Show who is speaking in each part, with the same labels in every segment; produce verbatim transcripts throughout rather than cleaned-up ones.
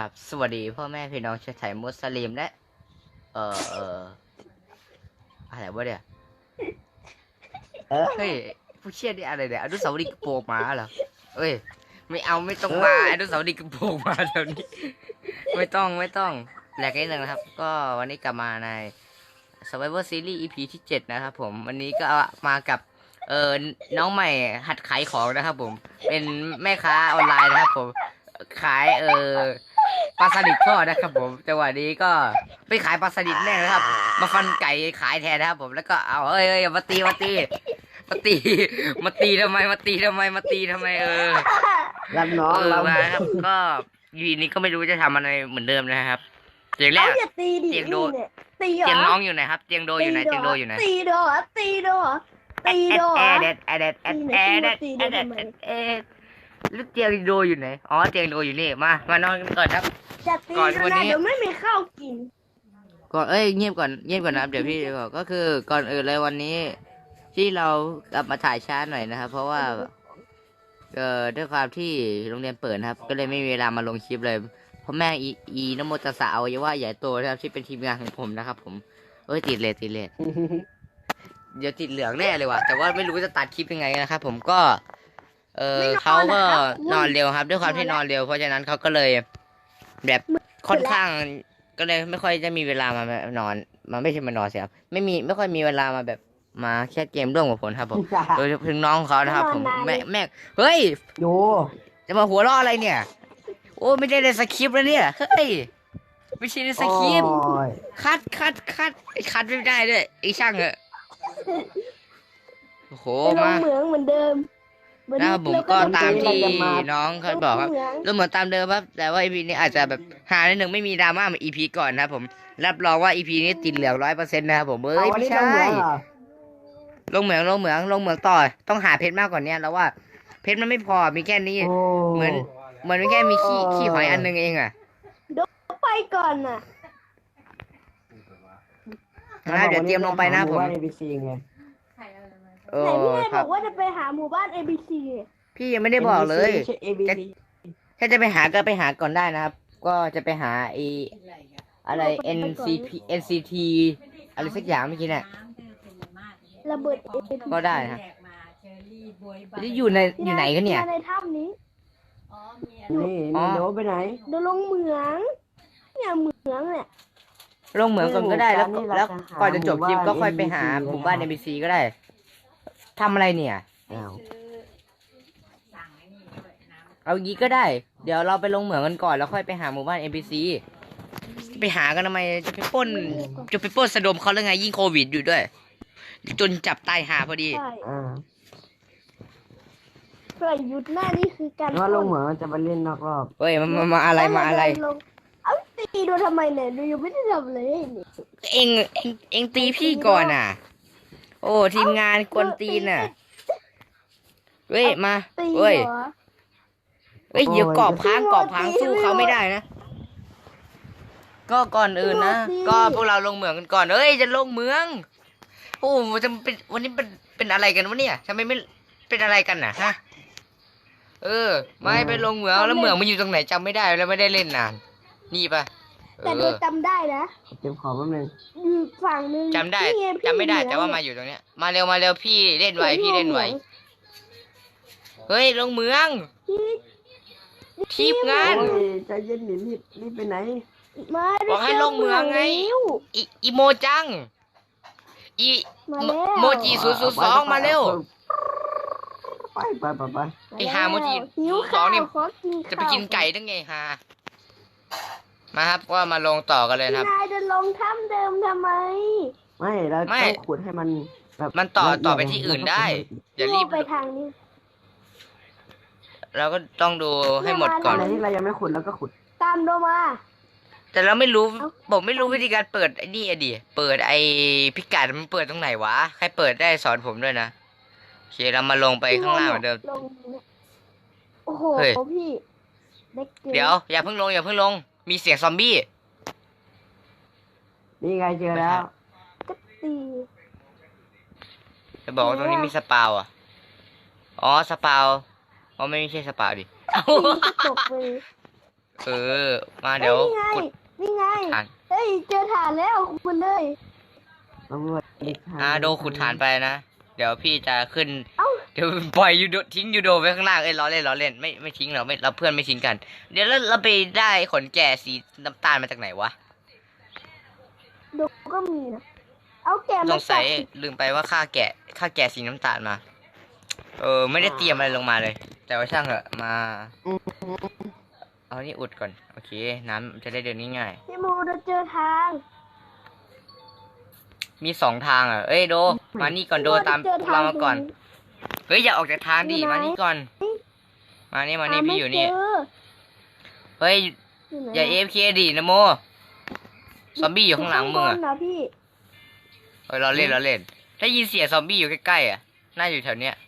Speaker 1: บสวัสดีพ่อแม่พี่น้องชาวไทยมุสลิมและเอ่อเอ่ออะไรวะเนี่ยเฮ้ยผู้เชี่ยนี่อะไรเนี่ยอนุสาวรีย์กระโปรงม้าเหรอเอ้ยไม่เอาไม่ต้องมาอนุสาวรีย์กระโปรงม้าแถวนี้ไม่ต้องไม่ต้องแหลกนิดนึงนะครับก็วันนี้กลับมาใน Survivor Series อี พี ที่เจ็ดนะครับผมวันนี้ก็มากับเออน้องใหม่หัดขายของนะครับผมเป็นแม่ค้าออนไลน์นะครับผมขายเออปลาสลิดทอดนะครับผมจังหวะนี้ก็ไปขายปลาสลิดแน่นะครับมาฟันไก่ขายแทนนะครับผมแล้วก็เอาเอ้ยเอ้ยมาตีมาตีมาตีมาตีทำไมมาตีทำไมมาตีทำไมเออ
Speaker 2: รับน้อง
Speaker 1: เออ
Speaker 2: รับ
Speaker 1: มาครับก็ยีนี้ก็ไม่รู้จะทำอะไรเหมือนเดิมนะครับเตียงแร
Speaker 2: เอา
Speaker 1: ก
Speaker 2: อย่าตีดิ
Speaker 1: เตียงโด
Speaker 2: นี่เนี่ยตีเหรอ
Speaker 1: เตียงน้องอยู่ไหนครับเตียงโดอยู่ไหนเตียงโดอยู่ไหน
Speaker 2: ตีโดเหรอตีโดเหรอตีโดเหร
Speaker 1: แอ
Speaker 2: อ
Speaker 1: ดแอดแอดแอดแอดแอดแอดแอดแอดแอดแล้วเตียงโดอยู่ไหนอ๋อเตียงโดอยู่นี่มามานอนกันก่อนครับ
Speaker 2: จะตี
Speaker 1: ก่อน
Speaker 2: ก็
Speaker 1: วัน
Speaker 2: ได้
Speaker 1: นี้
Speaker 2: เดี๋ยวไม่มีข้าวกิน
Speaker 1: ก่อนเอ้ยเงียบก่อนเงียบก่อนนะครับเดี๋ยวพี่ก่อนก็คือก่อนอื่นเลยวันนี้ ที่เรากลับมาถ่ายช้าหน่อยนะครับ เพราะว่าเอ่อด้วยความที่โรงเรียนเปิดนะครับ ก็เลยไม่มีเวลามาลงคลิปเลยเพราะแม่งอีอีนโมตัสสะอวัยวะใหญ่โตนะครับที่เป็นทีมงานของผมนะครับ ผมเอ้ยติดเลยติดเลย เดี๋ยวติดเหลืองแน่เลยว่ะแต่ว่าไม่รู้จะตัดคลิปยังไงนะครับผมก็ เออเขาก็นอนเร็วครับ ด้วยความที่นอนเร็วเพราะฉะนั้นเขาก็เลย แบบค่อนข้างก็เลยไม่ค่อยจะมีเวลามานอนมาไม่ใช่มานอนสิครับไม่มีไม่ค่อยมีเวลามาแบบมาแค่เกมร่วมกับผมครับผมโดยถึงน้องเขานะครับ ผมแม่แม่เฮ้ย
Speaker 2: โย
Speaker 1: จะมาหัวเราะอะไรเนี่ย โอ้ไม่ได้ในสคริปต์แล้วเนี่ยเฮ้ยไม่ใช่ในสคริปต์
Speaker 2: โอ้ย
Speaker 1: คัดคัดคัดไอ้คัดไม่ได้ด้วยไอ้ช่างเหอะโอ้โห
Speaker 2: ไปลง
Speaker 1: มา
Speaker 2: เหมืองเหมือนเดิมวัน
Speaker 1: นะ
Speaker 2: นี้
Speaker 1: ครับผม
Speaker 2: เรา
Speaker 1: ก็ตาม
Speaker 2: จะ
Speaker 1: ที่
Speaker 2: จะมา
Speaker 1: น้องเขาบอกครับ
Speaker 2: ลงเหมือง
Speaker 1: แล้วเหมือนตามเดิมครับแต่ว่า อี พี นี้อาจจะแบบหาในหนึ่งไม่มีดราม่าเหมือน อี พี ก่อนนะครับผมรับรองว่า อี พี นี้ติดเหลืองร้อยเปอร์เซ็นต์นะครับผมเอ้
Speaker 2: เอา
Speaker 1: ย
Speaker 2: วัน
Speaker 1: ไม่
Speaker 2: นี้ล
Speaker 1: ใช่
Speaker 2: งเหมืองเหรอ
Speaker 1: ลงเหมืองลงเหมืองลงเหมืองต่อต้องหาเพชรมากกว่านี้แล้วว่า เพชรมันไม่พอมีแค่นี้
Speaker 2: โอ้
Speaker 1: เหมือนเหมือนมีแค่มีขี้ขี้หอยอันหนึงเองอะ
Speaker 2: ไปก่อนน่ะ
Speaker 1: นะเดี๋ยวเตรียมลงไปนะผม
Speaker 2: ว่า เอ บี ซี ไง
Speaker 1: เอ
Speaker 2: ไหน
Speaker 1: อ
Speaker 2: พี่ให้
Speaker 1: ค
Speaker 2: บ
Speaker 1: รั
Speaker 2: อบ กว่าจะไปหาหมู่บ้าน เอ บี ซี
Speaker 1: พี่ยังไม่ได้บอกเลย
Speaker 2: ไม่ใช่ เอ บี ซี
Speaker 1: ถ้าจะไปหาก็ไปหาก่อนได้นะครับ ก็จะไปหาไออะไร เอ็น ซี พี เอ็น ซี ที อะไรสักอย่างเมื่อกี้เนี่ย
Speaker 2: ระเบิด เอ บี ซี
Speaker 1: ก็ได้นะนี่อยู่ในอยู่ไหนกันเนี่ย
Speaker 2: มาในถ้ำนี้
Speaker 3: นี่นี่โดไปไหน
Speaker 2: เดี๋ยวลงเหมืองเนี่ยเหมืองเนี่ย
Speaker 1: ลงเหมืองก่อนก็ได้แล้ว
Speaker 3: นี่เรา
Speaker 1: แล้ว
Speaker 3: จะหา
Speaker 1: ก่อนจะจบคลิปก็ค่อยไปหา
Speaker 3: ห
Speaker 1: ห
Speaker 3: มู่
Speaker 1: มู่
Speaker 3: บ้า
Speaker 1: บ้าน น เอ็ม บี ซี ก็ได้ทำอะไรเนี่ย
Speaker 3: อ้าว
Speaker 1: เอางี้ก็ได้ เดี๋ยวเราไปลงเหมืองกันก่อนแล้วค่อยไปหาหมู่บ้าน เอ็ม บี ซี ไปหากันทำไมจะไปปล้นจะไปปล้นสะดมเขาหรือไงยิ่งโควิดอยู่ด้วย จนจับตายหาพอดี
Speaker 2: ใช่
Speaker 3: อ่า
Speaker 2: เพื่อหยุดหน้านี่คือการ
Speaker 3: ว่าลงเหมืองจะไปเล่นนอกรอบ
Speaker 1: เฮ้ยมามามาอะไรมาอะไร
Speaker 2: ลงเอาตีดูทำไมเนี่ยดูยังไม่ได้ทำเลยนี่
Speaker 1: เองเองเองตีพี่ก่อนอ่ะ โอ้ทีมงานกวนตีนอ่ะเฮ้ยมา
Speaker 2: ตี
Speaker 1: เฮ้ย
Speaker 2: เหรอ
Speaker 1: เฮ้ยเดี๋ยวกรอบพัง
Speaker 2: พี่โม
Speaker 1: กรอบพัง
Speaker 2: ตี
Speaker 1: สู้เขา
Speaker 2: พี่โม
Speaker 1: ไม่ได้นะ ก็ก่อนอื่นนะ
Speaker 2: พี่โมตี
Speaker 1: ก็พวกเราลงเหมืองกันก่อนเอ้ยจะลงเหมือง โอ้จะเป็นวันนี้เป็นเป็นอะไรกันวะเนี่ยทำไมไม่เป็นอะไรกันน่ะฮะเออ ไม่ไปลงเหมืองแล้วเหมืองมันอยู่ตรงไหนจำไม่ได้แล้วไม่ได้เล่นนาน นี่ปะเอ
Speaker 2: แต่
Speaker 1: อ
Speaker 2: ดูจำได้นะ
Speaker 3: เก็บของแป๊บนึง
Speaker 2: อยู่ฝั่งนึง
Speaker 1: จำได้
Speaker 2: นี่งพี่
Speaker 1: จำไม่ได้
Speaker 2: เหนือ
Speaker 1: แต่ว่ามาอยู่ตรงเนี้ยมาเร็วมาเร็วพี่เล่นไวพี่เล่นไวเฮ้ยลงเหมือง
Speaker 2: พี่
Speaker 1: ทีมงาน
Speaker 3: โอ้ยใจเย็นดิรีบรีบไปไหน
Speaker 2: มา
Speaker 1: บอกให้ลงเหมืองไง
Speaker 2: แล้ว
Speaker 1: อีอีโมจังอี
Speaker 2: มาแล้ว
Speaker 1: โมจิศูนย์ศูนย์สองมาเร็ว
Speaker 3: ไปไปไปไป
Speaker 1: ไอ้ฮาโมจิ
Speaker 2: หิว
Speaker 1: สอง
Speaker 2: ข้าว
Speaker 1: นี่
Speaker 2: ขอกินข้าว
Speaker 1: จะไปกินไก่ได้ไงฮะมาครับก็มาลงต่อกันเลย
Speaker 2: พี่
Speaker 1: ครับ
Speaker 2: นายจะลงถ้ำเดิมทำไม
Speaker 3: ไม่เรา
Speaker 1: ไม่
Speaker 3: ต้องขุดให้มันแบบ
Speaker 1: มันต่อ
Speaker 3: ละเยด
Speaker 1: ต่อไปที่อื่นได้ อย่ารีบ
Speaker 2: ไปทางนี้
Speaker 1: เราก็ต้องดูให้หมดก่อน
Speaker 3: อะไรที่เรายังไม่ขุดแล้วก็ขุด
Speaker 2: ตามโดมา
Speaker 1: แต่เราไม่รู้
Speaker 2: เอ้า
Speaker 1: ผมไม่รู้วิธีการเปิดไอ้นี่อะดิเปิดไอ้พิกัดมันเปิดตรงไหนวะใครเปิดได้สอนผมด้วยนะโอเคเรามาลงไปข้างล่างเหมือนเดิม
Speaker 2: ลงเนี่ยโอ้โห
Speaker 1: เฮ้ย
Speaker 2: พี่เด็กกิน
Speaker 1: เดี๋ยวอย่าเพิ่งลงอย่าเพิ่งลงมีเสียงซอมบี้
Speaker 3: นี่ไงเจอแล้ว
Speaker 2: ก็ตี
Speaker 1: จะบอกว่าตรงนี้มีสปาวอ่ะอ๋อสปาวอ๋อไม่ใช่สปาวดิ
Speaker 2: ตีก็ตกไป
Speaker 1: เออ มาเดี๋ยว
Speaker 2: เฮ้ย
Speaker 1: ขุด
Speaker 2: นี่ไง
Speaker 1: ฐาน
Speaker 2: เฮ้ยเจอฐานแล้วคุณเลย
Speaker 3: ตำรวจดิทาง
Speaker 1: อ่าโดขุดฐานไปนะ เดี๋ยวพี่จะขึ้น
Speaker 2: เอ้า
Speaker 1: เดี๋ยวปล่อยยูโดทิ้งยูโดไว้ข้างล่าง เอ้ยล้อเล่นล้อเล่นไม่ไม่ทิ้งเราไม่เราเพื่อนไม่ทิ้งกัน เดี๋ยวเราเราไปได้ขนแก่สีน้ำตาลมาจากไหนวะ
Speaker 2: ดูก็มีนะเอาแกะ
Speaker 1: ส
Speaker 2: มาง
Speaker 1: สัย
Speaker 2: ตัด
Speaker 1: ลืมไปว่าค่าแกะค่าแกะสีน้ำตาลมา เออ ไม่ได้เตรียมอะไรลงมาเลย แต่ว่าช่างเหอะมา
Speaker 3: อืม
Speaker 1: เอานี่อุดก่อน โอเค น้ำจะได้เดินง่าย
Speaker 2: พี่โมเราเจอทาง
Speaker 1: ๆมีสองทางอ่ะ เอ้ยโด มานี่ก่อนโดตาม
Speaker 2: เจอทง
Speaker 1: เรามาก่อน
Speaker 2: ตรง
Speaker 1: เฮ้ยอย่าออกจากทางดิ
Speaker 2: อยู่ไหน
Speaker 1: มานี่ก่อน มานี่มานี่
Speaker 2: ห
Speaker 1: พี่อยู่นี่
Speaker 2: ไม่เจ
Speaker 1: เฮ้ย
Speaker 2: อยู่ไหน
Speaker 1: อย่าเอฟเคดินะโม ซอมบี้อยู่ข้างหลังมึง
Speaker 2: ข้า
Speaker 1: อ่ะ
Speaker 2: บนนะพี่
Speaker 1: เฮ้ยเราเล่นเราเล่น ได้ยินเสียงซอมบี้อยู่ใกล้ๆอ่ะ น่าอยู่แถวเนี้ย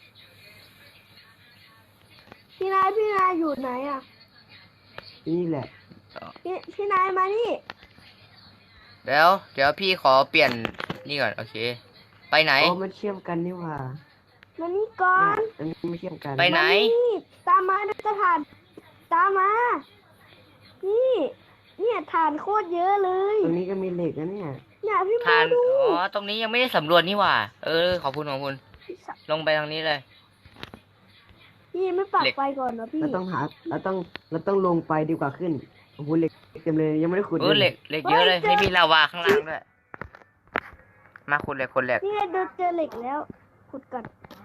Speaker 2: พี่นายพี่นายอยู่ไหนอ่ะ
Speaker 3: นี่แหละ
Speaker 2: พี่พี่นายมานี่
Speaker 1: เดี๋ยว เดี๋ยวพี่ขอเปลี่ยนนี่ก่อน โอเค ไปไหน
Speaker 3: โอ้มันเชื่อมกันนี่หว่า
Speaker 2: มานี่ก่อน
Speaker 3: อันนี้ไม่เชื่อมกัน
Speaker 1: ไปไหน
Speaker 2: มานี่ตามมาเดี๋ยวจะถ่านตามมา นี่ เนี่ยฐานโคตรเยอะเลย
Speaker 3: ตรงนี้ก็มีเหล็กนะเนี่ย
Speaker 2: เนี่ยพี่โม
Speaker 1: ทาน
Speaker 2: ดู
Speaker 1: อ๋อ ตรงนี้ยังไม่ได้สำรวจนี่หว่า เออ ขอบคุณขอบคุณ ลงไปทางนี้เลย
Speaker 2: พี่ไม่ปัก
Speaker 1: เหล็ก
Speaker 2: ไฟก่อนนะพี่
Speaker 3: เราต้องหาเราต้องเราต้องลงไปดีกว่าขึ้นโอ้โหเหล็กเต็มเลยยังไม่ได้ขุด
Speaker 1: เออเหล็กเหล็กเยอะเลยไม่มีลาวาข้างล่างด้วย มาขุดเหล็กขุดเหล็ก
Speaker 2: นี่ไงเดินเจอเหล็กแล้วขุดก่อน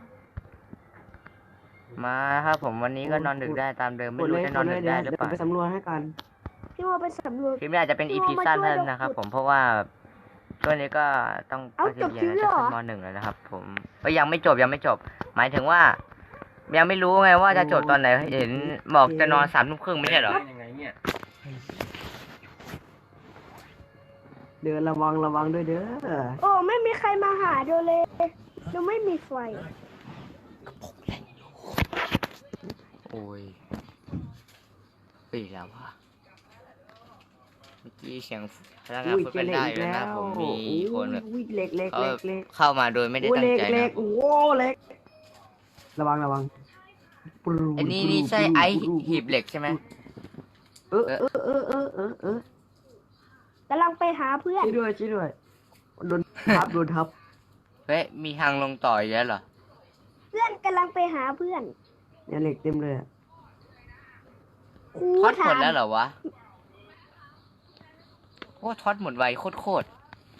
Speaker 1: มาครับผมวันนี้ก็นอนดึกได้ตามเดิมไม่
Speaker 3: ขุด
Speaker 1: รู้
Speaker 3: เลย
Speaker 1: จะนอนดึกได้หรือ
Speaker 3: เดี๋ยว
Speaker 1: เปล่า
Speaker 3: ไปสำรวจให้กัน
Speaker 2: พี่โมไปสำรวจ
Speaker 1: คลิปนี้อาจจะเป็นอีพีสั้นเท่านั้นนะครับผมเพราะว่าช่วงนี้ก็ต้อง
Speaker 2: เอ้า
Speaker 1: ไป
Speaker 2: จบ
Speaker 1: เรี
Speaker 2: คลิ
Speaker 1: ย
Speaker 2: ป
Speaker 1: น
Speaker 2: แล้วเหรอ
Speaker 1: จะขึ้นมหนึ่งแล้วนะครับ ผมก็ยังไม่จบยังไม่จบ หมายถึงว่า ยังไม่รู้ไงว่าจะจบตอนไหนเห็นบอกจะนอนสามทุ่มครึ่งไม่ใช่เหรอ
Speaker 3: เดินระวังระวังด้วยเด้อ
Speaker 2: โอ้ไม่มีใครมาหาดูเลยดูไม่มีไฟ
Speaker 1: โอ้ยเฮ้ยแล้ววะเมื่อกี้เสียงพนักงาน
Speaker 3: อุ้ย
Speaker 1: พูด
Speaker 3: เจอ
Speaker 1: เป็น
Speaker 3: เหล็ก
Speaker 1: ได้
Speaker 3: อีก
Speaker 1: เลย
Speaker 3: แล้
Speaker 1: นะ
Speaker 3: ว
Speaker 1: ผมมีคนแบบ
Speaker 3: อุ้ยเหล็กเหล็ก
Speaker 1: เขา
Speaker 3: เหล็กเหล็ก
Speaker 1: เข้ามาโดยไม่ได้
Speaker 3: อุ้ย
Speaker 1: ตั้
Speaker 3: เห
Speaker 1: ง
Speaker 3: ล็ก
Speaker 1: ใจ
Speaker 3: เหล็
Speaker 1: นะ
Speaker 3: กโอ้โหเหล็กระวังระวังปรู
Speaker 1: ไอ้นี่นี่ใช่ไอหีบเหล็กใช่ไหม
Speaker 3: เออเออเออเออเออเออก
Speaker 2: ำลังไปหาเพื่อน
Speaker 3: ช่วยด้วยช่วยด้วยโดนทับโดนทับ
Speaker 1: เฮ้ยมีทางลงต่ออีกแล้วเหรอ
Speaker 2: เพื่อนกำลังไปหาเพื่อน
Speaker 3: เนี่ยเหล็กเต็มเลยอะ
Speaker 2: ครู
Speaker 1: ทอดห
Speaker 2: ถาม
Speaker 1: ดแล้วเหรอวะโอ้ทอดหมดไวโคตรโคตร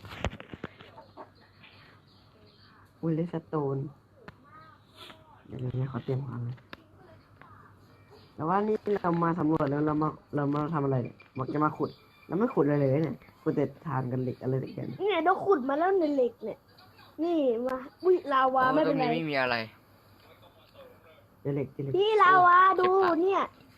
Speaker 3: อุ้ยเลสโตนเดี๋ยวเดี๋ยวเขาเตรียมของเลยแต่ว่านี่เรามาสำรวจแล้วเรามาเรามาทำอะไรเนี่ยมักจะมาขุดเราไม่ขุดอะไรเลยเนี่ยขุดแต่ทานกันเหล็กอะไรกัน
Speaker 2: เนี่ยเราขุดมาแล้วในเหล็กเนี่ย นี่มาอุ้ยลาวา
Speaker 1: โอ้
Speaker 2: ไม่
Speaker 1: ตร
Speaker 2: เป็น
Speaker 1: ง
Speaker 2: ไร
Speaker 1: นี้ไม่มีอะไร
Speaker 3: เจอเหล็กเจอเหล็ก
Speaker 2: พี่ลาวาดูเนี่ย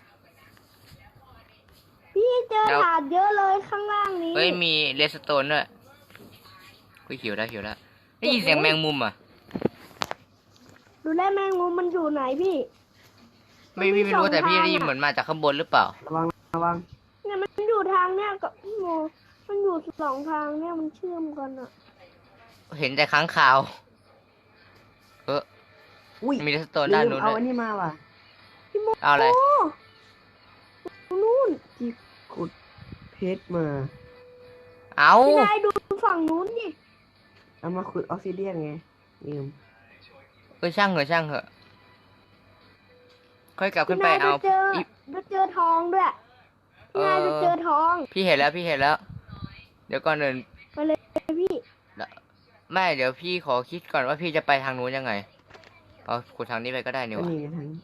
Speaker 2: พี่เจอ
Speaker 1: แล้ว
Speaker 2: ถาดเยอะเลยข้างล่างนี้
Speaker 1: เฮ้ยมีเลสโตนด้วยกูหิวแล้วหิวแล้วได้ยินเสียงแมงมุมอ่ะ
Speaker 2: ดูแลแมงมุมมันอยู่ไหนพี่
Speaker 1: ไม่ไม่ไม่รู้แต่พี่ได้ยินเหมือนมาจากข้างบนหรือเปล่า
Speaker 3: ระวังระวัง
Speaker 2: เนี่ยมันอยู่ทางเนี่ยกับพี่โมมันอยู่สองทางเนี่ยมันเชื่อมกันอะ
Speaker 1: เห็นแต่ค้างคาวเออ
Speaker 3: อุ้ย
Speaker 1: มีเลสโตน
Speaker 3: ลื
Speaker 1: ด้าน
Speaker 3: ม
Speaker 1: นู้น
Speaker 3: เอา
Speaker 1: ด้ว
Speaker 3: อั
Speaker 1: ย
Speaker 3: นนี้มาว่ะ
Speaker 2: พี่โม
Speaker 1: เอาอะไร
Speaker 2: โอ้นู่น
Speaker 3: ที่ขุดเพชรมา
Speaker 1: เอา
Speaker 2: พี่นายดูฝั่งนู้นนี่
Speaker 3: เอามาขุดออกซิเดียนไงลืม
Speaker 1: เออช่างเหอะช่างเหอะค่อยกลับขึ้
Speaker 2: พี่
Speaker 1: นไป
Speaker 2: นาย
Speaker 1: เอา
Speaker 2: จะเจอ
Speaker 1: อี
Speaker 2: จะเจอทองด้วยพี่นายจะเจอทอง
Speaker 1: พี่เห็นแล้วพี่เห็นแล้ว เดี๋ยวก่อนอื่น
Speaker 2: ไปเลยพี่
Speaker 1: ไม่เดี๋ยวพี่ขอคิดก่อนว่าพี่จะไปทางนู้นยังไงเอาขุดทางนี้ไปก็ได้นี่
Speaker 3: ก็
Speaker 1: วะ
Speaker 3: นี่ไงทั้ง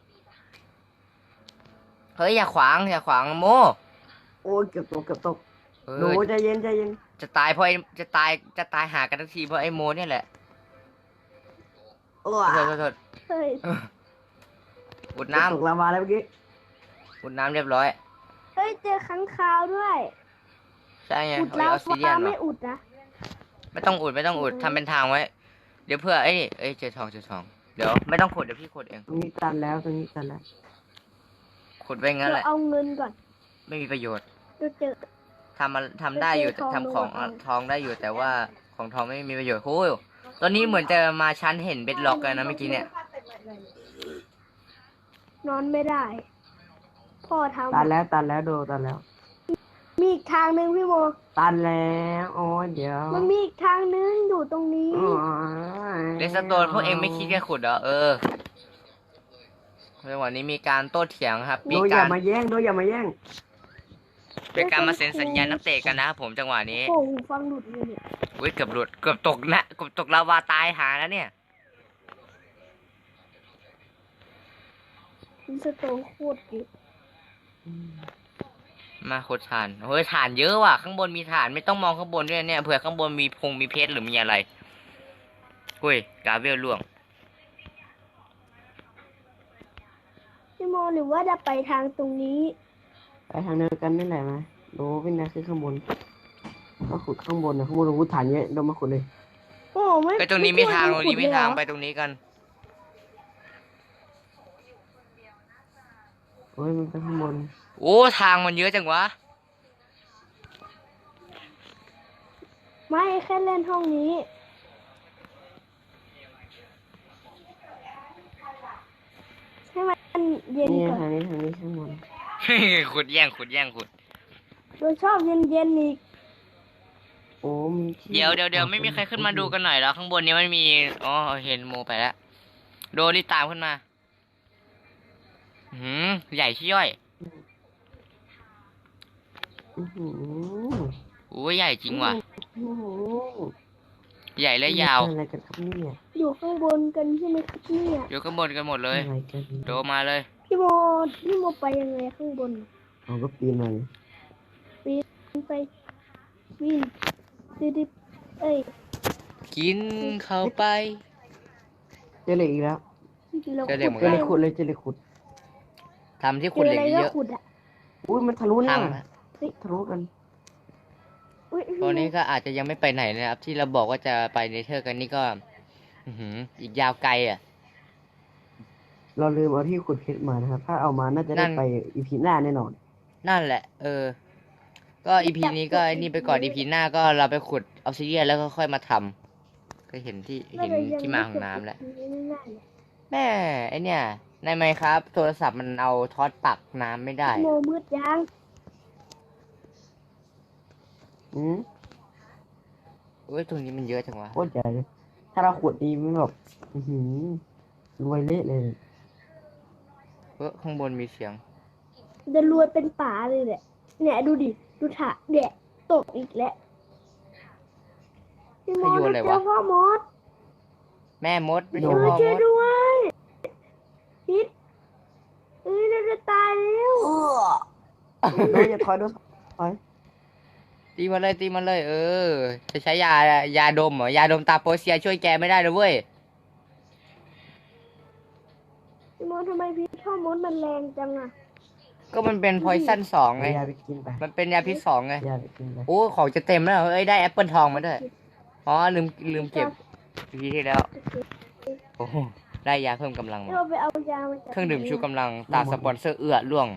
Speaker 1: เฮ้ยอย่าขวางอย่าขวางโม
Speaker 3: โอ้ยเกือบตกเกือบตก
Speaker 1: เอ
Speaker 3: หนู
Speaker 1: อ
Speaker 3: ใจเย็นใจเย็น
Speaker 1: จะตายเพราะไอ้จะตายจะตายหากันทักทีเพราะไอ้โมเนี่ยแหละ
Speaker 3: โอ้
Speaker 1: โทษโทษโทษ
Speaker 2: เฮ้ย
Speaker 1: อุด
Speaker 3: ต
Speaker 1: น้ำ
Speaker 3: กลาวาแล้วเมื่อกี้
Speaker 1: อุดน้ำเรียบร้อย
Speaker 2: เฮ้ยเจอขังคาวด้วย
Speaker 1: ใช่ไง
Speaker 2: อุด
Speaker 1: เอา
Speaker 2: ลา
Speaker 1: ออสซิเดีย
Speaker 2: วาน
Speaker 1: เหร
Speaker 2: ไม่
Speaker 1: อ
Speaker 2: อุดนะ
Speaker 1: ไม่ต้องอุดไม่ต้องอุดทำเป็นทางไว้ เดี๋ยวเพื่อไอ้นี่เอ้ยเจอทองเจอทองเดี๋ยวไม่ต้องขุดเดี๋ยวพี่ขุดเอง
Speaker 3: ตรงนี้ตันแล้วตรงนี้ตันแล้ว
Speaker 1: ขุดไปงั้นแห
Speaker 2: เรา
Speaker 1: ละ
Speaker 2: เอาเงินก่อน
Speaker 1: ไม่มีประโยชน์
Speaker 2: เราเจอ
Speaker 1: ทำมาทำได้อยู่
Speaker 2: เจอทอง
Speaker 1: ทำของ
Speaker 2: ทอง
Speaker 1: ทองได้อยู่แต่ว่าของทองไม่มีประโยชน์โอ้ยตอนนี้เหมือนจะมาชั้นเห็นเบ็ดล็อกกันนะเมื่อกี้เนี่ย
Speaker 2: นอนไม่ได้พ่อทำ
Speaker 3: ตันแล้วตันแล้วโดตันแล้ว
Speaker 2: มีอีกทางหนึ่งพี่โม
Speaker 3: ตันแล้วโอ้ยเดี๋ยว
Speaker 2: มันมีอีกทางหนึงอยู่ตรงนี้
Speaker 3: โอ้ย
Speaker 1: เลสโตนพวกเองไม่คิดจะขุดเหรอเออในวันนี้มีการโต้เถียงครับ
Speaker 3: โด
Speaker 1: มี
Speaker 3: อย่า
Speaker 1: การ
Speaker 3: มาแย่งโดอย่ามาแย่ง
Speaker 1: เป็นการมาเซ็นสัญญานักเตะกันนะครับผมจังหวะนี้
Speaker 2: โอ้โหหูฟังหลุดเลยเนี่ย
Speaker 1: อุ้ยเกือบหลุดเกือบตกนะเกือบตกลาวาตายหาแล้วเนี่ย
Speaker 2: มีสโตนโคตรเยอะ
Speaker 1: มาขุดฐานเฮ้ยฐานเยอะว่ะข้างบนมีฐานไม่ต้องมองข้างบนด้วยเนี่ยเผื่อข้างบนมีพงมีเพชรหรือมีอะไรอุ้ยกาเวลล่วง
Speaker 2: พี่โมหรือว่าจะไปทางตรงนี้
Speaker 3: ไปทางเดียวกันนี่แหละไหมโดเป็นนะคือข้างบนก็ขุดข้างบนนะข้างบนเราขุดฐานเยอะโดมาขุดเลย
Speaker 2: โอ้ไม่
Speaker 1: ไปตรงนี้มีทางตรงนี้มีทาง
Speaker 2: ขุด
Speaker 1: ไป
Speaker 2: เลยเหรอ
Speaker 1: ตรงนี้กัน
Speaker 3: โอ้ยมันไปข้างบน
Speaker 1: โอ้ทางมันเยอะจังวะ
Speaker 2: ไม่แค่เล่นห้องนี้ ให้มันเย็น
Speaker 3: นี่
Speaker 2: ก่อน
Speaker 3: ทางนี้ทางนี้ข้างบน
Speaker 1: ขุดแย่งขุดแย่งขุด
Speaker 2: โดยชอบเย็นเย็นๆอีก
Speaker 3: โอ้มีที่
Speaker 1: เดี๋ยวเดี๋ยวเดี๋ยวไม่มีใครขึ้นมาดูกันหน่อยแล้วข้างบนนี้มันมีอ๋อเห็นโมไปแล้วโดรีบตามขึ้นมาหืมใหญ่ชี้ย่อย
Speaker 3: อื้อหือ
Speaker 1: โอ้ยใหญ่จริงว่ะ
Speaker 3: อื้อหือ
Speaker 1: ใหญ่และยาว
Speaker 3: อะไรกันครับเนี่ย
Speaker 2: อยู่ข้างบนกันใช่ไหมครับเนี่ย
Speaker 1: อยู่ข้างบนกันหมดเลย
Speaker 3: อะไรกัน
Speaker 1: โดมาเลย
Speaker 2: พี่โมพี่โมไปยังไงข้างบน
Speaker 3: เอาก็ปีนมาเลย
Speaker 2: ไปวิ่งดิบๆเอ้ย
Speaker 1: กินเข้าไป
Speaker 3: เจอเหล็กอีกแล้ว
Speaker 2: เรา
Speaker 1: เจอเหล็กเหมือน
Speaker 3: เจ
Speaker 1: กั
Speaker 3: อน เหล็กขุดเลยเจอเหล็กขุด
Speaker 1: ทำที่
Speaker 2: เจ
Speaker 1: ขุด
Speaker 2: อ
Speaker 1: เหล็
Speaker 2: อะ
Speaker 1: ก
Speaker 2: ไรก็
Speaker 1: เยอะ
Speaker 2: ขุดอ่ะ
Speaker 3: อุ้ยมันทะลุ
Speaker 1: ๆ
Speaker 3: เนี่ย
Speaker 1: ทาง
Speaker 3: ทะลุกัน
Speaker 2: อุ้ย
Speaker 1: ตอนนี้ก็อาจจะยังไม่ไปไหนนะครับ ที่เราบอกว่าจะไปเนเธอร์กันนี่ก็ อื้อหืออีกยาวไกลอ่ะ
Speaker 3: เราลืมเอาที่ขุดเพชรมานะครับ ถ้าเอามาน่าจะ
Speaker 1: นั่
Speaker 3: ได้
Speaker 1: น
Speaker 3: ไปอีพีหน้าแน่นอน
Speaker 1: นั่นแหละ เออ ก็อีพีนี้ก็ไอ้นี่ไปก่อนอีพีหน้าก็เราไปขุดออฟซิเดียนแล้วก็ค่อยมาทำก็เห็นที่เห็นที่มาของน้ำแล้ว แม่ไอเนี่ยในไมค์ครับ โทรศัพท์มันเอาทอสปักน้ำไม่ได้
Speaker 2: โมมืดยัง
Speaker 3: อืม
Speaker 1: เอ้ยตรงนี้มันเยอะจังวะ
Speaker 3: โคตรใหญ่เลย ถ้าเราขุดดีมันแบบอือหือรวยเละเลย
Speaker 1: เออข้างบนมีเสียง
Speaker 2: จะรวยเป็นป่าเลยแหละเนี่ยดูดิดูถะเดะตกอีกแล้วพี่โม
Speaker 1: ขยุนอะไร
Speaker 2: เจ
Speaker 1: วะ
Speaker 2: อพ่อมด
Speaker 1: แม่มดไม่
Speaker 2: เอ
Speaker 1: ใช่
Speaker 2: อ
Speaker 1: พ่อ
Speaker 2: เจ
Speaker 1: ม
Speaker 2: อ
Speaker 1: ด
Speaker 2: ด้วยพิษเอ้ยเราจะตายแล้ว
Speaker 3: โดนอย่าถอยโดนถอย
Speaker 1: ตีมาเลยตีมาเลย เออ จะใช้ยายาดมเหรอยาดมตาโปเซียช่วยแกไม่ได้เลยเว้ย
Speaker 2: พี่โมทำไมพิษพ่อมดมันแรงจังอะ
Speaker 1: ก็มันเป็นพอยซันสองไง
Speaker 3: เอายาไปกินไป
Speaker 1: มันเป็นยาพิษสองไง
Speaker 3: ยาไปกินไป
Speaker 1: โอ้ของจะเต็มแล้วเอ้ยได้แอปเปิลทองมาด้วยอ๋อลืมลืมเก็บทีที่แล้วโอ้โหได้ยาเพิ่มกำลังมา
Speaker 2: เราไปเอายามาจาก
Speaker 1: เครื่องดื่มชู
Speaker 2: ไหน
Speaker 1: กำลังตามสปอนเซอร์เอื้อล่วง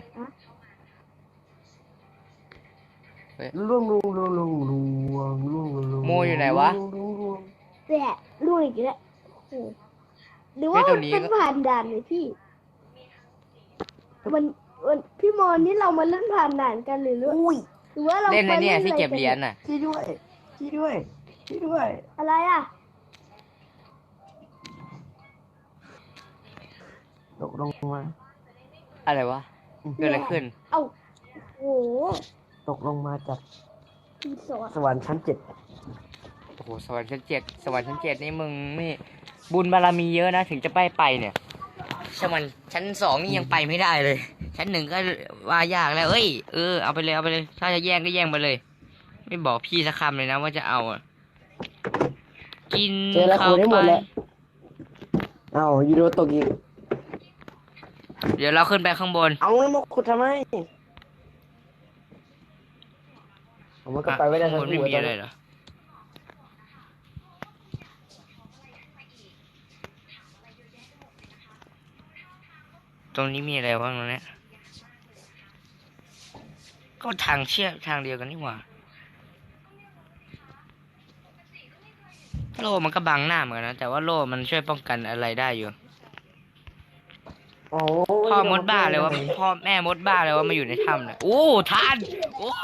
Speaker 3: ล่วงล่วงล่วงล่วงล่วงล่วงล่วง
Speaker 1: โมอยู่ไหนวะ
Speaker 3: ล่งล่วงล่วง
Speaker 2: แหละลูกอีกแล้วโอ้โหหรือว่า
Speaker 1: เฮ้ยตั
Speaker 2: มั
Speaker 1: วน นี้
Speaker 2: เป็น
Speaker 1: ก็
Speaker 2: ผ่านด่านเลยพี่มันมันพี่โมนี่เรามาเล่นผ่านด่านกันหรือหรือ
Speaker 3: อุ้ย
Speaker 2: หรือว่าเรา
Speaker 1: เล่น
Speaker 2: ไป
Speaker 1: นะเนี่ยที่
Speaker 2: อะ
Speaker 1: เก็บ
Speaker 2: กั
Speaker 1: เหรียญน่ะ
Speaker 3: ชี้ด้วยชี้ด้วยชี้ด้วย
Speaker 2: อะไรอ่ะ
Speaker 3: ตกลงมา
Speaker 1: อะไรวะเกิดอะไรขึ้น
Speaker 2: เอ้าโอ้โห
Speaker 3: ตกลงมาจาก
Speaker 2: รีสอร์ท
Speaker 3: สวรรค์ชั้นเจ็ด
Speaker 1: โอ้โหสวรรค์ชั้นเจ็ดสวรรค์ชั้นเจ็ดนี่มึงนี่บุญบารมีเยอะนะถึงจะไปไปเนี่ยสวรรค์ชั้นสองนี่ยังไปไม่ได้เลย ชั้นหนึ่งก็ว่ายากแล้วเอ้ยเออเอาไปเลยเอาไปเลย ถ้าจะแย่งก็แย่งไปเลย ไม่บอกพี่สักคำเลยนะว่าจะเอาอ่ะกิน
Speaker 3: เจอแล้ว
Speaker 1: เข้า
Speaker 3: ขุดได้ห
Speaker 1: ไป
Speaker 3: มดแล้วเอ้ายูโรตกอีก
Speaker 1: เดี๋ยวเราขึ้นไปข้างบน
Speaker 3: เอาแล้วมาขุดทำไมผมมันก็ไปไม่ได้
Speaker 1: ข้าง
Speaker 3: ทั้
Speaker 1: บ
Speaker 3: ง
Speaker 1: นไม่
Speaker 3: คู่
Speaker 1: มี
Speaker 3: ตอน
Speaker 1: อะไร
Speaker 3: นี้
Speaker 1: เหรอตรงนี้มีอะไรบ้างตรงเนี้ยก็ทางเชือกทางเดียวกันนี่หว่าโล่มันก็บังหน้าเหมือนกันนะแต่ว่าโล่มันช่วยป้องกันอะไรได้อยู่
Speaker 3: โอ้
Speaker 1: พ่อมดบ้าเลยวะพ่อแม่มดบ้าเลยวะมาอยู่ในถ้ำเนี่ยโอ้ทานโอ้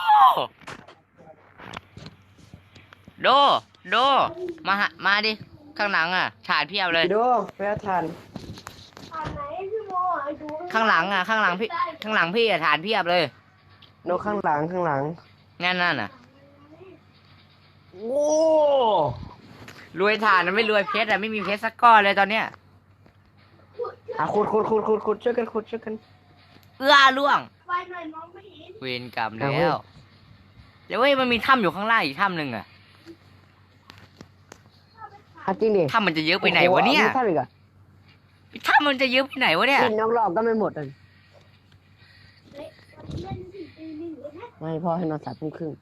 Speaker 1: โดโดมาหามาดิข้างหลังอ่ะถ่านเพียบเลย
Speaker 3: พี่ดูไปเอาถ่าน
Speaker 2: ผ่านไหนพี่โมอ่ะดู
Speaker 1: ข้างหลังอ่ะข้างหลังพี่ข้างหลังพี่อ่ะถ่านเพียบเลย
Speaker 3: โนข้างหลังข้างหลัง
Speaker 1: นั่นนั่นอ่ะ
Speaker 3: โอ้
Speaker 1: รวยถ่านนะไม่รวยเพชรอ่ะไม่มีเพชรสักก้อนเลยตอนเนี้ย
Speaker 3: อ่ะขุดขุดขุดขุดขุดช่วยกันขุดช่วยกัน
Speaker 1: เอื้อล่วง
Speaker 2: ไฟหน่อยมองไม่เห็น
Speaker 1: เวรกรรมแล้วเดี๋ยวเว้ยมันมีถ้ำอยู่ข้างล่างอีกถ้ำหนึ่งอ่ะ
Speaker 3: อ่ะจริงดิ
Speaker 1: ถ้ำมันจะเยอะไปไหนวะเนี่ย
Speaker 3: โอ้โหอามีท่าอีกอ่ะ
Speaker 1: ถ้ำมันจะเยอะไปไหนวะเนี่ย
Speaker 3: กินนอกรอบก็ไม่หมดอ่ะ
Speaker 2: เฮ้ยวันนี้เล่นสี่ตีหนึ่งเลยนะ
Speaker 3: ไม่พ่อให้นอนสามทุ่มครึ่ง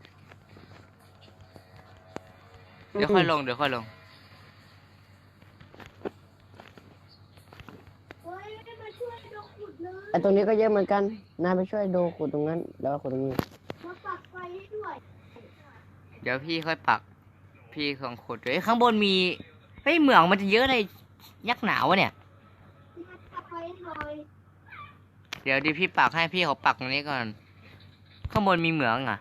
Speaker 1: เดี๋ยวค่อยลงเดี๋ยวค่อยลง
Speaker 2: เฮ้ยมาช่วยดูขุดเลย
Speaker 3: ไอตรงนี้ก็เยอะเหมือนกันนายไปช่วยดูขุดตรงนั้น แล้วก็ขุดตรงนี้
Speaker 2: มาปักไฟให้ด้วย
Speaker 1: เดี๋ยวพี่ค่อยปัก พี่ของขุดเฮ้ยข้างบนมีเฮ้ยเหมืองมันจะเยอะเลยยักษ์หนาวะเนี่ย
Speaker 2: มาปักไฟให้หน่อย
Speaker 1: เดี๋ยวดิพี่ปักให้พี่เขาปักตรงนี้ก่อน ข้างบนมีเหมืองอ่ะ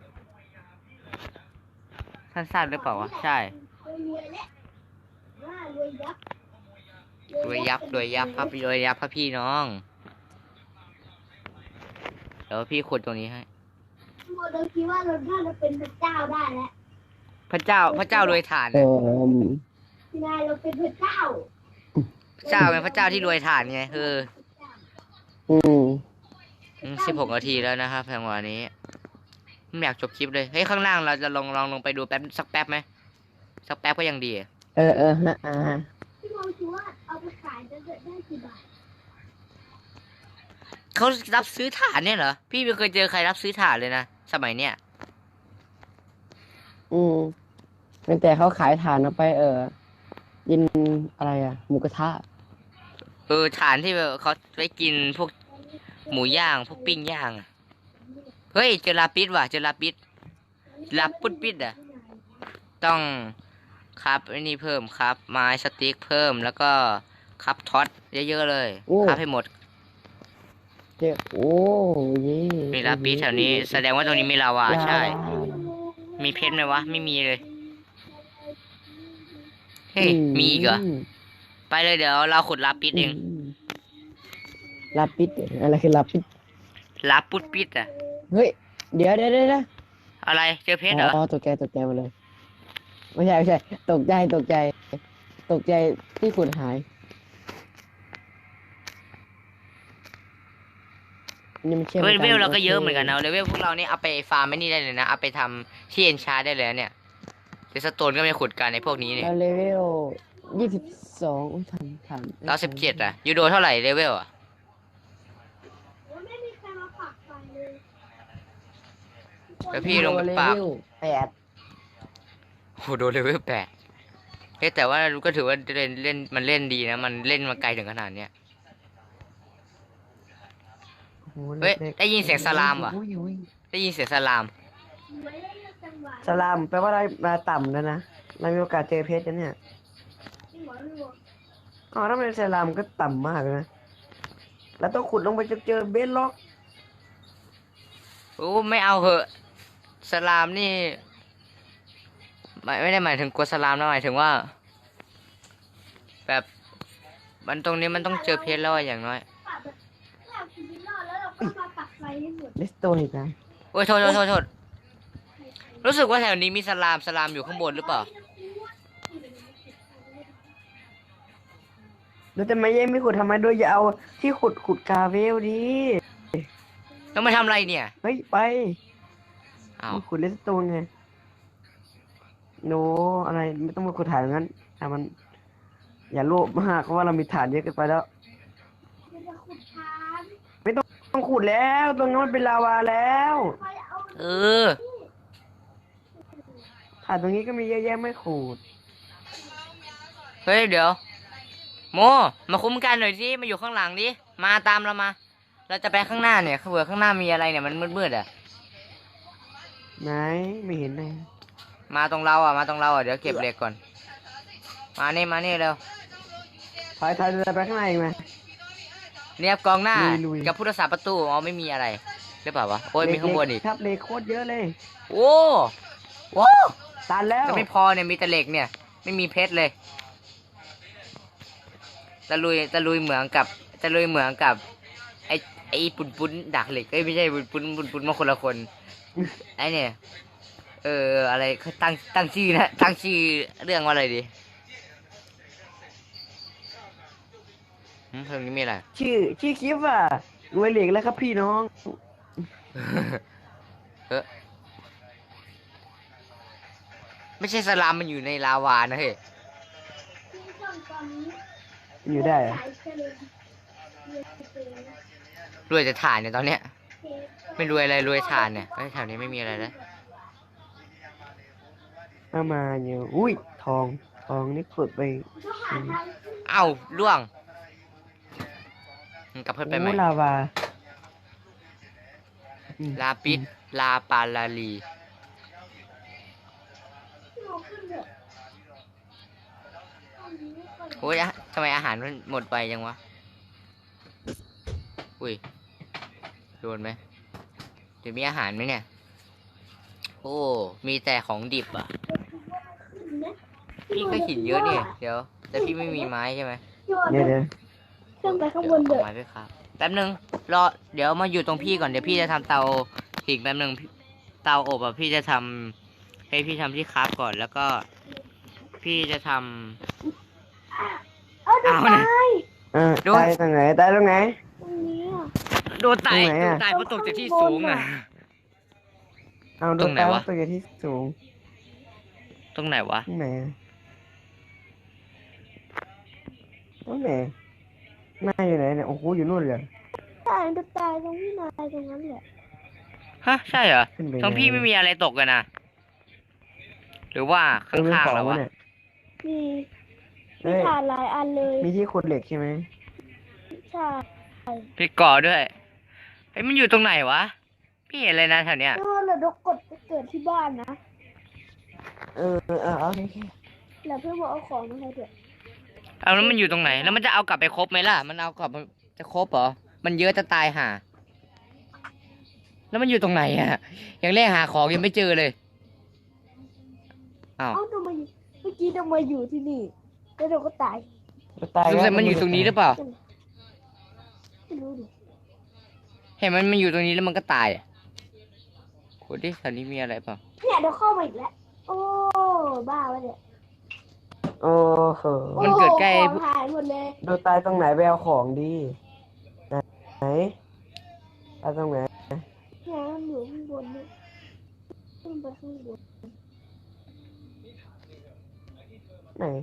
Speaker 1: สั้นๆหรือเปล่าวะใช่
Speaker 2: รวยแล้วว่ารวยยักษ์
Speaker 1: รวยยักษ์รวยยักษ์ครับรวยยักษ์ครับพี่น้อง เดี๋ยวพี่ขุดตรงนี้ให้
Speaker 2: โมเดลคิดว่าเราน่าจะเป็นพระเจ้าได้แล้ว
Speaker 1: พระเจ้าพระเจ้ารวยถ่าน
Speaker 3: เอ
Speaker 1: เนี่ย
Speaker 3: อ
Speaker 2: พี่นายเราเป็นพระเจ้า
Speaker 1: พระเจ้าเป็นพระเจ้าที่รวยถ่านไงเออ
Speaker 3: อืม
Speaker 1: สิบหกนาทีแล้วนะครับจังหวะนี้ไม่อยากจบคลิปเลยเฮ้ยข้างล่างเราจะลองลองลงไปดูแป๊บสักแป๊บไหมสักแป๊บก็ยังดี
Speaker 3: เออเออฮะอ่า
Speaker 2: พี่โมคิดว่าเอาไปขายจะได้กี่บาท
Speaker 1: เขารับซื้อถ่านเนี่ยเหรอพี่ไม่เคยเจอใครรับซื้อถ่านเลยนะสมัยเนี้ย
Speaker 3: อืมตั้งแต่เขาขายถ่านเอาไป เออกินอะไรอ่ะหมูกระทะ
Speaker 1: เออถ่านที่แบบเขาไปกินพวกหมูย่างพวกปิ้งย่างอะเฮ้ยเจอลาปิดว่ะเจอลาปิดลาปุดปิดอ่ะต้องครับไอ้นี่เพิ่มครับไม้สติ๊กเพิ่มแล้วก็ครับท็อตเยอะๆเลยครับให้หมด
Speaker 3: เจ๊โอ้เย่
Speaker 1: มีลาปิดแถวนี้แสดงว่าตรงนี้มีลาวาใช่ มีเพชรไหมวะไม่มีเลยเฮ้ยมีอีกเหรอไปเลยเดี๋ยวเราขุดลาปิดเอง
Speaker 3: ลาปิดอะไรคือลาปิด
Speaker 1: ลาปุดปิดอ่ะ
Speaker 3: เฮ้ยเดี๋ยวเดี๋ยวเดี๋ยว
Speaker 1: อะไรเจอเพชรเหรอ
Speaker 3: อ๋อตกใจตกใจมาเลยไม่ใช่ไม่ใช่ตกใจตกใจ ตกใจที่ขุดหายนี่มันเชื่อม
Speaker 1: เลเวล
Speaker 3: น
Speaker 1: เราก็เยอะ
Speaker 3: โค
Speaker 1: เหมือนกันนะเลเวลพวกเรานี่เอาไปฟาร์มไม่นี่ได้เลยนะเอาไปทำที่เอ็นชาร์ได้เลยนะเนี่ยเดสโตนก็ไม่ขุดกันในพวกนี้เนี่ย
Speaker 3: แล้วเลเวลยี่สิบสองอุ้ยทันทัน
Speaker 1: เราสิบเจ็ดอ่ะยูโดเท่าไหร่เลเวลอ่ะ
Speaker 2: แล้วไม่มีใครมาปักไฟเลย
Speaker 1: เดี๋ยวพี่ลงไปปราบ
Speaker 3: เลเวลแปด
Speaker 1: โอ้โหโดนเลเวลแปดเฮ้ยแต่ว่าก็ถือว่าเล่นเล่นมันเล่นดีนะมันเล่นมาไกลถึงขนาดเนี้ย
Speaker 3: โอ้โห
Speaker 1: เฮ้ย
Speaker 3: ล็กๆ
Speaker 1: ได้ยินเสียงสลามว่ะ
Speaker 3: อุ้ยอุ้ย
Speaker 1: ได้ยินเสียงสลาม
Speaker 2: ไว้ได้จังหวะ
Speaker 3: สลามแปลว่าอะไรมาต่ำแล้วนะเรามีโอกาสเจอเพชรนะเนี่ย
Speaker 2: ที่หัวหลวง
Speaker 3: อ๋อถ้าเป็นสลามก็ต่ำมากเลยนะแล้วต้องขุดลงไปจนเจอเบสล็อก
Speaker 1: โอ้ไม่เอาเหอะสลามนี่ไม่ไม่ได้หมายถึงกลัวสลามนะหมายถึงว่า แบบมันตรงนี้มันต้องเจอเพชรแล้วอะอย่างน้อย
Speaker 2: ปักแบบเราชีวิตรอดแล้วเราก็มาปักไฟให้หมด
Speaker 3: เลสโตนอีกนะ
Speaker 1: โอ้ยโทษโทษโทษโทษรู้สึกว่าแถวนี้มีสลามสลามอยู่ข้างบนหรือเปล่า
Speaker 3: แล้วจะไม่แย่งไม่ขุดทำไมด้วยอย่าเอาที่ขุดขุดกาเวลดิ
Speaker 1: แล้วมาทำอะไรเนี่ย
Speaker 3: เฮ้ยไป
Speaker 1: อ้าว
Speaker 3: มาขุดเลสโตนไงโนอะไรไม่ต้องมาขุดฐานงั้นแต่มัน อย่าโลภมากเพราะว่าเรามีฐานเยอะเกินไปแล้ว
Speaker 2: มันจะขุดทาน
Speaker 3: ต้องขุดแล้วตรงนั้นมันเป็นลาวาแล้ว
Speaker 2: ไฟเอา
Speaker 1: เออ
Speaker 3: ฐานตรงนี้ก็มีเยอะแยะไม่ขุด
Speaker 1: เฮ้ยเดี๋ยวโมมาคุ้มกันหน่อยสิมาอยู่ข้างหลังดิมาตามเรามา เราจะไปข้างหน้าเนี่ยเผื่อข้างหน้ามีอะไรเนี่ยมันมืดๆอ่ะ
Speaker 3: ไหนไม่เห็นเลย
Speaker 1: มาตรงเราอ่ะมาตรงเราอ่ะเดี๋ยวเก็บเหล็กก่อน มานี่มานี่เร็ว
Speaker 3: ถอยถอยจะไปข้างในอีกไหม
Speaker 1: เนี่ยกองหน้า
Speaker 3: ลุยๆ
Speaker 1: กับผู้รักษาประตูอ๋อไม่มีอะไรหรือเปล่าวะโอ้ยมีข้างบนอีก
Speaker 3: ครับเหล็กโคตรเยอะเลย
Speaker 1: โอ้โอ้
Speaker 3: ตันแล้ว
Speaker 1: ก็ไม่พอเนี่ยมีแต่เหล็กเนี่ย ไม่มีเพชรเลยตะลุยตะลุยเหมืองกับตะลุยเหมืองกับไอไอปุนปุนดักเหล็กเอ้ยไม่ใช่ปุนปุนปุนปุนมาคนละคนไอเนี่ยเอออะไรเขาตั้งตั้งชื่อนะตั้งชื่อเรื่องว่าอะไรดีหืมเพลงนี้มีอะไร
Speaker 3: ชื่อชื่อคลิปอ่ะรวยเหล็กแล้วครับพี่น้อง
Speaker 1: เออไม่ใช่สลามมันอยู่ในลาวานะเฮ้ย
Speaker 3: อยู่ได้เหรอ
Speaker 1: รวยแต่ถ่านเนี่ยตอนเนี้ยไม่รวยอะไรรวยถ่านเนี่ยเอ้ยแถวนี้ไม่มีอะไรแล้ว
Speaker 3: เอามาอยู่อุ้ยทองทองนี่ขุดไปอืม
Speaker 1: เอ้าล่วงกลับเพิ่มไปไหม
Speaker 3: โอ้ลาวาอืม
Speaker 1: ลาปิดลาปาลาลีโอ้ยอะทำไมอาหารมันหมดไปยังวะอุ้ยโดนไหมเดี๋ยวมีอาหารไหมเนี่ยโอ้มีแต่ของดิบอ่ะพี่ก็หินเยอะเนี่ยเดี๋ยวแต่พี่ไม่มีไม้ใช่ไหม
Speaker 3: เดี๋ยวเดี๋ยว
Speaker 2: ขึ้นไปข้างบน
Speaker 1: เดี๋ยว
Speaker 2: เด้อ
Speaker 1: เอาไม้ไปครับแป๊บนึงรอเดี๋ยวมาอยู่ตรงพี่ก่อนเดี๋ยวพี่จะทำเตาหิงแป๊บนึงพี่เตาอบอ่ะพี่จะทำให้พี่ทำที่คราฟก่อนแล้วก็ พี่จะทำ
Speaker 2: เอ้าจะ
Speaker 1: เอาเนี่ย
Speaker 2: ตาย
Speaker 3: อ่า
Speaker 1: โดน
Speaker 3: ตายตรงไหนตายตรงไหน
Speaker 2: ตรงนี้อ่ะ
Speaker 1: โดนตาย
Speaker 3: ตรงไหน
Speaker 1: โด
Speaker 3: อะ
Speaker 1: นตายเพราะตกจากที่สูงอ่ะ
Speaker 3: เอา
Speaker 1: ตรงไหนวะ
Speaker 3: ตัวที่สูง
Speaker 1: ตรงไหนวะ
Speaker 3: ตรงไหนอะตรงไหนหน้าอยู่ไหนเนี่ยโอ้โหอยู่นู่นเลย
Speaker 2: ตายจะตายตรงที่นายตรงนั้นแหละ
Speaker 1: ฮะใช่เหรอ
Speaker 3: ขึ้นไป
Speaker 1: ท้องพี่ไม่มีอะไรตกกันนะหรือว่า
Speaker 3: เออเป็น
Speaker 1: ข้าง
Speaker 3: ขอ
Speaker 1: ๆ
Speaker 3: ง
Speaker 1: เรา
Speaker 3: วะ
Speaker 1: วะ
Speaker 3: เนี่ย
Speaker 2: มี
Speaker 3: เอ้
Speaker 2: มี
Speaker 3: ย
Speaker 2: ฐานหลายอันเลย
Speaker 3: มีที่ขุดเหล็กใช่ไหม
Speaker 2: ใช่
Speaker 1: พี่ก่อด้วยเฮ้ยมันอยู่ตรงไหนวะพี่เห็นเลยนะแถวเนี้ย
Speaker 2: เออเราดกกดไปเกิดที่บ้านนะ
Speaker 3: เออเออเออโอเคโอเค
Speaker 2: แล้วเพื่อนบอกเอาของมาให้ด้วย
Speaker 1: เอาแล้วมันอยู่ตรงไหน แล้วมันจะเอากลับไปครบไหมล่ะมันเอากลับมาจะครบเหรอมันเยอะจะตายห่าแล้วมันอยู่ตรงไหนอะอย่างแรกหาของยังไม่เจอเลยอ้าว
Speaker 2: เอ้าทำไมเมื่อกี้ทำไมอยู่ที่นี่แล้วเราก็ตาย
Speaker 3: จะตาย
Speaker 1: สงสัยมันอยู่ตรงนี้หรือเปล่า
Speaker 2: ไม่รู้ดิ
Speaker 1: เห็นมันมันอยู่ตรงนี้แล้วมันก็ตายอะโหดิแถวนี้มีอะไรเปล่า
Speaker 2: เนี่ยเดี๋ยวเข้ามาอีกแล้วโอ้บ้าวะเนี่ย
Speaker 3: โอ้โห
Speaker 1: มันเกิดใกล้
Speaker 2: โอ้ของหายหมดเลย
Speaker 3: ดูตายตรงไหนไปเอาของดีไหนตายตรงไหน
Speaker 2: เนี่ยมันอยู่ข้างบนเนี่ยขึ้นไปข้างบน
Speaker 3: ไหน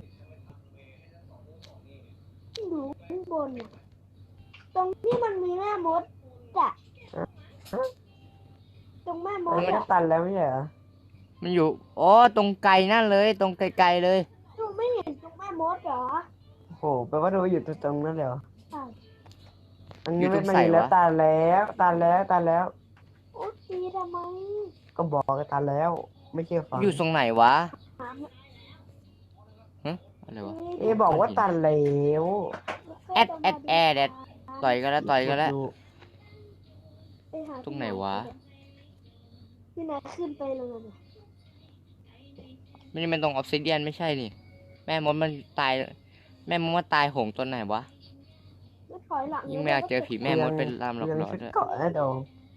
Speaker 2: อยู่ข้างบนน่ะตรงที่มันมีแม่มดจ้ะ
Speaker 3: ฮะ
Speaker 2: ตรงแม่ม
Speaker 3: อัน
Speaker 2: ด
Speaker 3: นี้ก็
Speaker 2: อ่ะ
Speaker 3: ตันแล้วไม่ใช่เหรอ
Speaker 1: มันอยู่อ๋อตรงไกลนั่นเลย ตรงไกลๆเลย
Speaker 2: ดูไม่เห็นตรงแม่มดเหรอ
Speaker 3: โอ้โหแปลว่าดูอยู่ตรงนั้นเลยเหรอ
Speaker 2: ใช่
Speaker 3: อันนี้ไม่มาแล้วตันแล้วตันแล้วตันแล้ว
Speaker 2: โอ้ตีทำไม
Speaker 3: ก็บอกกันตันแล้ว ไม่เชื่อฟัง
Speaker 1: อยู่ตรงไหนวะ
Speaker 2: ถาม
Speaker 1: ฮะอะไรวะ
Speaker 3: เอะบอกว่าตันแล้ว
Speaker 1: แอดแอดแอดแอด ต่อยกันแล้วต่อยกันแล้ว
Speaker 3: ดู
Speaker 2: ไปหา
Speaker 1: ตรงไหนวะ
Speaker 2: พี่นายขึ้นไปเลยนะ
Speaker 1: ไม่ได้เป็นตรงออฟซิเดียนไม่ใช่นี่ แม่มดมันตาย แม่มดมันตายโหงตอนไหนวะ
Speaker 2: ไม่ถอยหลัง
Speaker 1: ยิ่งไม่อยากเจอผีแม่มดเป็นลามหลอก
Speaker 3: ยัง
Speaker 1: หลอน
Speaker 3: ชุด
Speaker 1: ด้วย
Speaker 3: เกาะนะดอง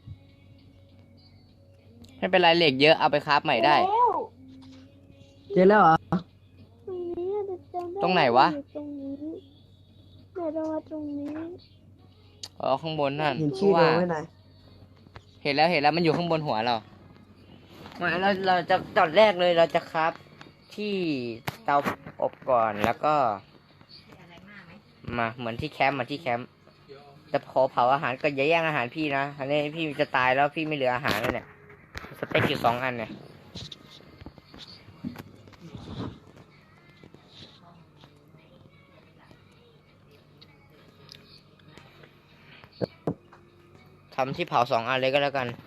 Speaker 1: ไม่เป็นไรเหล็กเยอะเอาไปคราฟใหม่ได้
Speaker 2: แล้ว
Speaker 3: เจอแล้วเหรอ
Speaker 2: ตรงนี้จะจำด้
Speaker 1: ตรงไหนวะ
Speaker 2: อยู่ตรงนี้เดี๋ยวเรามาตรงนี้
Speaker 1: อ๋อข้างบนนั่น
Speaker 3: เห็นชื่อ
Speaker 1: ว่า
Speaker 3: ดองไว้ไหน
Speaker 1: เห็นแล้วเห็นแล้วมันอยู่ข้างบนหัวเราไม่เราเราจะตอนแรกเลยเราจะคราฟที่เตาอบก่อนแล้วก็ มาเหมือนที่แคมป์เหมือนที่แคมป์จะพอเผาอาหารก็อย่าแย่งอาหารพี่นะอันนี้พี่จะตายแล้วพี่ไม่เหลืออาหารแล้วเนี่ยสเต็กอยู่สองอันเนี่ยทำที่เผาสองอันเลยก็แล้วกัน